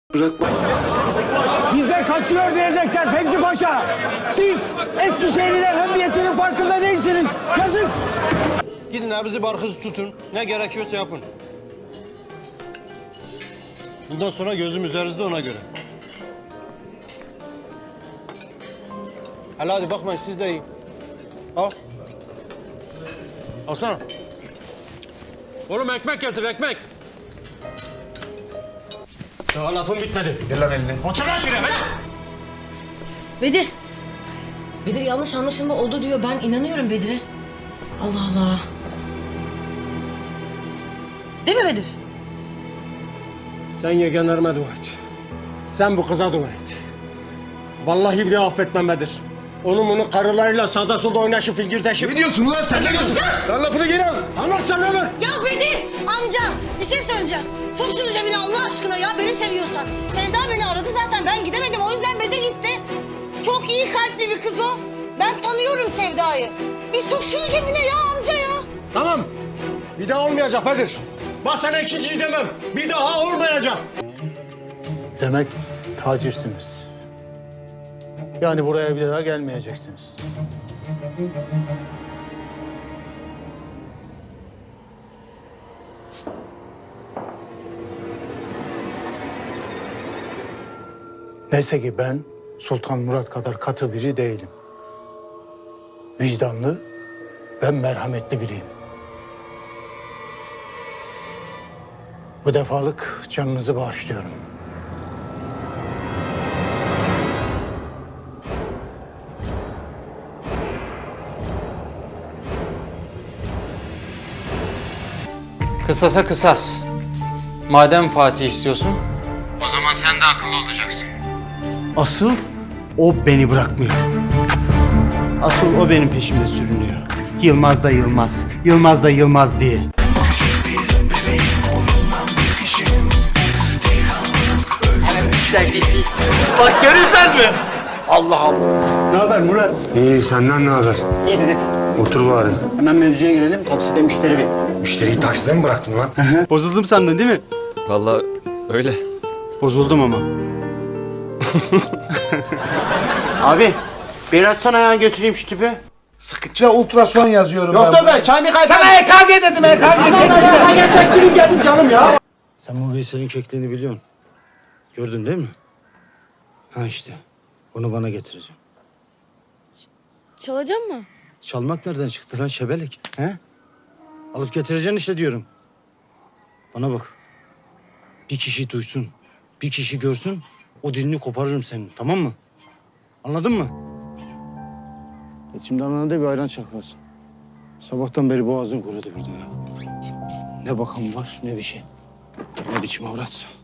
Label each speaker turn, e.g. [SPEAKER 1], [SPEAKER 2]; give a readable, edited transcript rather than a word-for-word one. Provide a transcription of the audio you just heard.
[SPEAKER 1] Bırakma.
[SPEAKER 2] Bize kaçıyor diyecekler Fevzi Paşa. Siz Eskişehir'in ehemmiyetinin farkında değilsiniz. Yazık.
[SPEAKER 3] Gidin nabzı barkızı tutun. Ne gerekiyorsa yapın. Bundan sonra gözüm üzerinizde ona göre. Hele hadi bakmayın siz de yiyin. Al. Alsana. Oğlum ekmek getir ekmek. Daha lafım bitmedi.
[SPEAKER 1] Gel lan elini.
[SPEAKER 3] Otur lan şuraya be.
[SPEAKER 4] Bedir. Bedir yanlış anlaşılma oldu diyor. Ben inanıyorum Bedir'e. Allah Allah. Değil mi Bedir?
[SPEAKER 2] Sen yegenlerime dua et. Sen bu kıza dua et. Vallahi bir de affetmem Bedir. Onun karılarıyla sağda solda oynaşıp fingirdeşip...
[SPEAKER 1] Ne diyorsun lan sen? Ne diyorsun?
[SPEAKER 2] Lan lafını geri al. Anlarsan olur.
[SPEAKER 4] Ya Bedir amca bir şey söyleyeceğim. Sok şunu cebine Allah aşkına ya beni seviyorsan. Sevda beni aradı zaten ben gidemedim o yüzden Bedir gitti. Çok iyi kalpli bir kız o. Ben tanıyorum Sevda'yı. Bir sok şunu cebine ya amca ya.
[SPEAKER 2] Tamam. Bir daha olmayacak Bedir. Bak sana ikinciyi demem. Bir daha olmayacak.
[SPEAKER 5] Demek tacirsiniz. Yani buraya bir daha gelmeyeceksiniz. Neyse ki ben Sultan Murat kadar katı biri değilim. Vicdanlı ve merhametli biriyim. Bu defalık canınızı bağışlıyorum.
[SPEAKER 6] Kısasa kısas. Madem Fatih istiyorsun, o zaman sen de akıllı olacaksın.
[SPEAKER 5] Asıl o beni bırakmıyor. Asıl o benim peşimde sürünüyor. Yılmaz da Yılmaz, Yılmaz da Yılmaz diye.
[SPEAKER 1] Bak görürsen mi?
[SPEAKER 5] Allah Allah. Ne haber Murat?
[SPEAKER 1] İyi senden ne haber?
[SPEAKER 5] İyidir.
[SPEAKER 1] Otur bari.
[SPEAKER 5] Hemen mevzuya girelim. Takside müşteri bir.
[SPEAKER 1] Müşteriyi takside mi bıraktın lan?
[SPEAKER 5] Bozuldum sandın değil mi?
[SPEAKER 6] Vallahi öyle.
[SPEAKER 5] Bozuldum ama. Abi, bir açsana ya götüreyim şu tipi.
[SPEAKER 1] Sıkıca ultrason yazıyorum
[SPEAKER 5] Yok da be, çay mı kaysana?
[SPEAKER 1] Sana EKG dedim EKG çektireyim geldim canım ya.
[SPEAKER 5] Sen bu Veysel'in kekliğini biliyorsun. Gördün değil mi? Ha işte. Bunu bana getireceğim.
[SPEAKER 4] Çalacak mı?
[SPEAKER 5] Çalmak nereden çıktı lan şebelek? He? Alıp getireceksin işte diyorum. Bana bak. Bir kişi duysun, bir kişi görsün, o dilini koparırım senin, tamam mı? Anladın mı? Şimdi anana da bir ayran çaklasın. Sabahtan beri boğazın kurudu burada ya. Ne bakan var, ne bir şey. Ne biçim avratsa.